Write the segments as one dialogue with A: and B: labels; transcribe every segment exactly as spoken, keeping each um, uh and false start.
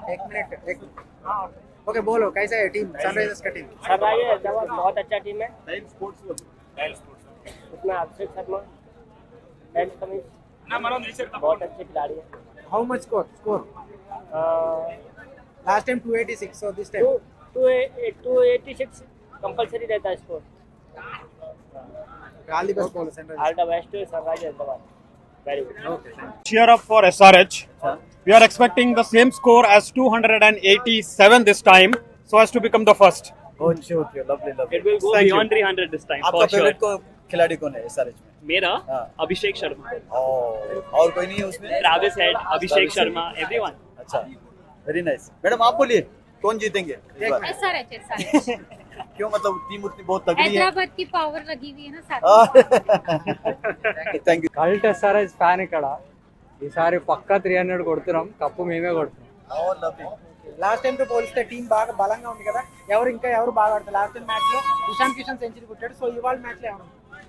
A: एक मिनट एक ओके बोलो कैसा है टीम सनराइजर्स का टीम?
B: सनराइजर्स हैदराबाद बहुत अच्छा टीम है। उसमें अभिषेक शर्मा एंड कमिंस बहुत अच्छे खिलाड़ी हैं।
A: How much score score last time two eighty six so this time
B: two eighty six compulsory रहता है स्कोर।
A: ऑल द बेस्ट बोलो Sunrisers.
B: All the best to Sunrisers Hyderabad. Very good.
A: Okay
C: Cheer up for S R H. We are expecting the same score as two hundred eighty-seven this time, so as to become the first.
D: Okay okay lovely lovely
E: It will go
C: Thank you.
E: beyond three hundred this time
D: आपका
E: for sure.
D: Favourite को खिलाड़ी कौन है SRH में?
E: मेरा
D: हाँ।
E: अभिषेक शर्मा,
D: और और कोई नहीं है उसमें?
E: Travis Head, Abhishek Sharma, everyone.
D: अच्छा वेरी नाइस। मैडम आप बोलिए कौन जीतेंगे इस बार?
F: एसआरएच एसआरएच
D: क्यों मतलब टीम उतनी बहुत तगड़ी है?
F: हैदराबाद की पावर लगी हुई है ना साथ
D: thank you
G: cult SRS fan ఇక్కడ ఈసారి పక్కా త్రీ హండ్రెడ్ కొడుతున్నాం, కప్పు మేమే కొడుతున్నాం.
A: లాస్ట్ టైం తో పోలిస్తే టీం బాగా బలంగా ఉంది కదా, ఎవరు ఇంకా ఎవరు బాగా ఆడతారు? లాస్ట్ టైం మ్యాచ్ లో ఇషాన్ కిషన్ సెంచరీ కొట్టాడు, సో ఇవాళ మ్యాచ్ లో ఎవరు?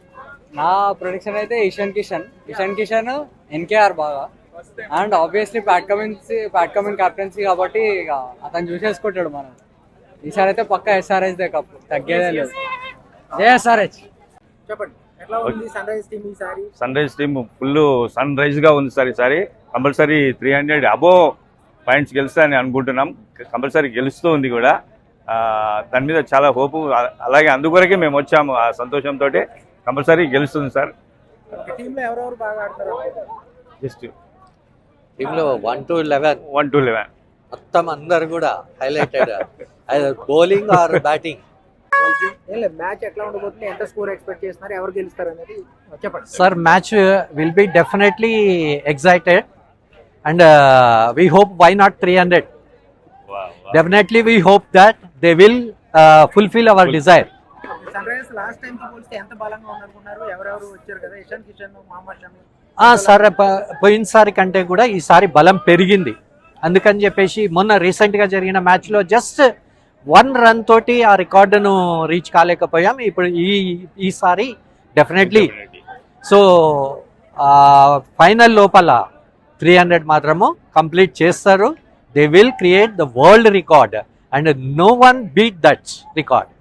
G: నా ప్రొడిక్షన్ అయితే ఇషాన్ కిషన్ ఇషాన్ కిషన్ ఎన్కేఆర్ బాగా, and obviously Pat Cummins Pat Cummins captaincy కాబట్టి ఇక అతను చూసేసుకుంటాడు. మనం ఈసారి అయితే పక్కా ఎస్ఆర్హెచ్ దే కప్పు, తగ్గేదే లేదు. జై ఎస్ఆర్హెచ్.
A: చెప్పండి ఎట్లా ఉంది సన్ రైజ్ టీం ఈసారి?
H: Sun rise team full sun rise గా ఉంది సార్. ఈసారి compulsory three hundred above points గెలుస్తాయని అనుకుంటున్నాం. కంపల్సరీ గెలుస్తూ ఉంది కూడా. దాని మీద చాలా హోపు, అలాగే అందుకొరకే మేము వచ్చాము. ఆ సంతోషంతో కంపల్సరీ గెలుస్తుంది సార్.
A: టీంలో ఎవరెవరు బాగా ఆడతారు?
H: జస్ట్
I: టీంలో one two eleven
H: one two eleven
I: మొత్తం అందరు కూడా హైలైటెడ్ బౌలింగ్ ఆర్ బ్యాటింగ్.
A: ఏం లేదు మ్యాచ్ ఎట్లా ఉండబోతుంది, ఎంత స్కోర్ ఎక్స్పెక్ట్ చేస్తున్నారు, ఎవరు గెలుస్తారు అనేది చెప్పండి.
J: Sir, match uh, will be definitely excited, and uh, we hope why not three hundred.
H: Wow, wow.
J: Definitely we hope that they will uh, fulfill our desire.
A: Sunrisers last time తో పోలిస్తే ఎంత బలంగా ఉందనుకున్నారు? ఎవరెవరు వచ్చారు కదా, Ishan Kishan, Mohammed Shami.
J: Sir పోయినసారి కంటే కూడా ఈసారి బలం పెరిగింది. అందుకని చెప్పేసి మొన్న రీసెంట్గా జరిగిన మ్యాచ్లో జస్ట్ వన్ రన్ తోటి ఆ రికార్డును రీచ్ కాలేకపోయాం. ఇప్పుడు ఈ ఈసారి డెఫినెట్లీ సో ఫైనల్ లోపల త్రీ హండ్రెడ్ మాత్రము కంప్లీట్ చేస్తారు. They will create the world record and no one beat that record.